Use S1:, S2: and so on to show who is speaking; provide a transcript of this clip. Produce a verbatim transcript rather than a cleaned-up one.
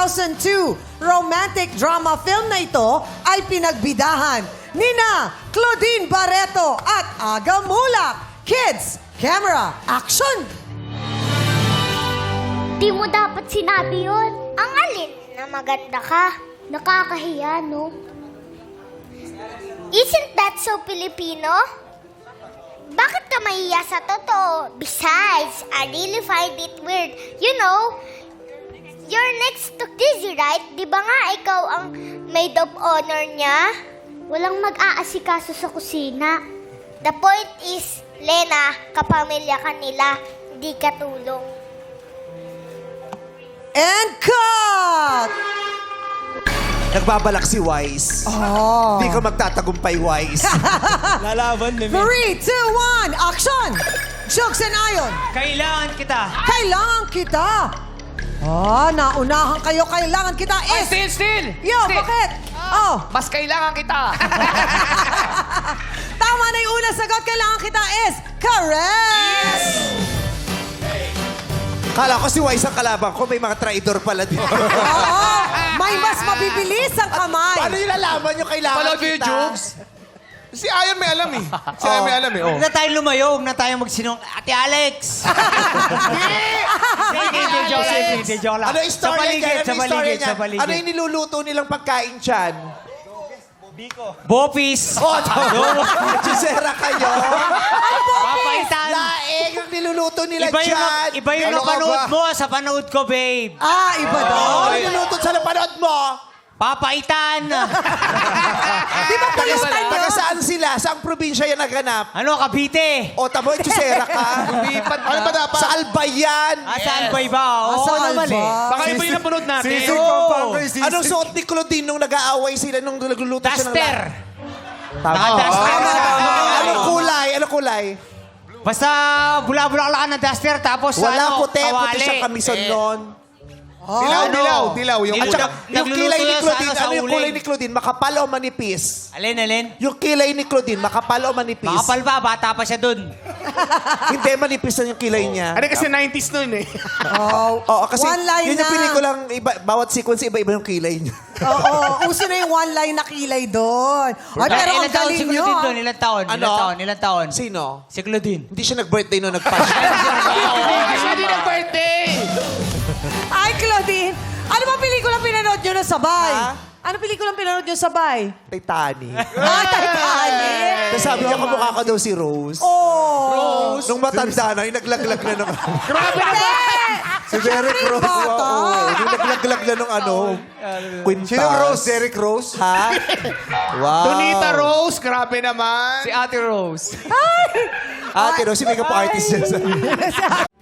S1: thousand two romantic drama film na ito ay pinagbidahan nina Claudine Barreto at Aga Mulak. Kids, camera, action!
S2: Di mo dapat sinabi yun. Ang alin na maganda ka. Nakakahiya, no? Isn't that so Filipino? Bakit ka mahiya sa totoo? Besides, I really find it weird. You know, you're next to Dizzy, right? Di ba nga ikaw ang maid of honor niya? Walang mag-aasikaso sa kusina. The point is, Lena, kapamilya ka nila, hindi ka tulong.
S1: And cut!
S3: Nagbabalak si Wise.
S1: Oh.
S3: Hindi ka magtatagumpay, Wise.
S4: Lalaban, Mimi.
S1: Three, two, one, action! Jokes and Ayon,
S4: Kailangan kita.
S1: kailangan kita. Ah, naunahan kayo, kailangan kita
S5: Ay,
S1: is...
S5: still, still!
S1: Yo,
S5: Still.
S1: bakit? Oh,
S5: Mas kailangan kita.
S1: tama na yung unang sagot, kailangan kita is correct!
S3: Kala ko si Wise ang kalaban ko. May mga traidor pala dito.
S1: Oo, may mas mabibilis ang kamay.
S3: Paano yung lalaman yung kailangan
S5: Panood mo yung
S3: kita?
S5: jokes?
S6: Si Ayon may alam eh. Si Ayon may alam eh. Oh.
S4: Huwag na tayo lumayo. Huwag na tayo magsinong. Ate Alex! Hindi, hindi, joke, hindi, hindi, joke lang.
S3: Ano yung
S4: Sa
S3: story
S4: paligid,
S3: niyan? Ano
S4: sa
S3: yung story
S4: paligid,
S3: niyan?
S4: sa paligid.
S3: Ano yung niluluto nilang pagkain dyan?
S4: Bopis!
S3: Oh, Chisera kayo.
S4: Papaitan!
S3: Laeng ang niluluto nila
S4: Iba yung,
S3: dyan.
S4: iba yung
S6: Ano ka
S4: napanood
S6: ba?
S4: mo sa panood ko, babe.
S1: Ah, iba daw.
S3: Ano niluluto sa napanood mo?
S4: Papaitan!
S1: Di ba police time
S3: Taga
S1: yun?
S3: saan sila? Saang probinsya yan naganap?
S4: Ano, Cavite?
S3: O, tamo, Chisera ka.
S6: Lipat. Ano ba dapat?
S3: Sa Albayan.
S4: Ah, saan ba iba? Oo,
S1: Asa
S4: ano mali?
S1: Alba?
S5: Baka iba yung napanood natin.
S4: Sisig
S5: Oo.
S3: Anong suot ni Claudine nung nag-aaway sila nung nagluluto siya ng
S4: Duster!
S3: Tama.
S4: Naka-duster
S3: Tama,
S4: siya.
S3: tama. Anong kulay? Anong kulay?
S4: Basta bula-bula ka na duster, tapos
S3: Wala
S4: ano,
S3: puti. Puti
S4: kawali.
S3: siyang kamison noon.
S6: Dilaw,
S4: Ano?
S6: dilaw, dilaw. Yung
S4: At
S6: ulam.
S4: saka,
S3: Yung
S4: nagluluto
S3: kilay ni
S4: yan sa
S3: Claudine,
S4: ano, sa
S3: ano yung
S4: uling.
S3: kulay ni Claudine? Makapal o manipis?
S4: Alin, alin?
S3: Yung kilay ni Claudine, makapal o manipis?
S4: Makapal ba? Bata pa siya dun.
S3: Hindi, manipis na yung kilay niya.
S6: Ano kasi nineties noon eh.
S1: Oh,
S3: Oo, kasi
S1: one line
S3: yun yung
S1: na.
S3: pelikulang, iba, bawat sequence, iba-iba yung kilay niya.
S1: Oo, uso na yung one line na kilay doon. Ay, pero ang
S4: Ilan taon
S1: galing
S4: si
S1: nyo.
S4: Claudine doon? Ilan taon?
S3: Ano?
S4: Ilan taon? Ilan taon?
S3: Sino?
S4: Si Claudine.
S3: Hindi siya nag-birthday nung nag-pass.
S5: Siya din ang birthday.
S1: Ay, Claudine, ano ba pelikula pinanood nyo na sabay?
S3: Ha?
S1: Ano pelikula pinanood nyo sabay?
S3: Titanic.
S1: Ah, Titanic.
S3: Tapos sabi niya, kamukha ka daw si Rose.
S1: Oh.
S3: Nung matanda na, yung naglaglag na ng...
S1: Grabe na
S3: si Derek Rose.
S1: bata.
S3: Oo, yung naglaglag na ng ano, kwintas.
S6: Sino Rose? Derek Rose?
S3: Ha? Wow.
S6: Donita Rose, grabe naman.
S5: Si Ate Rose.
S3: Ate Rose, si makeup artist dyan sa...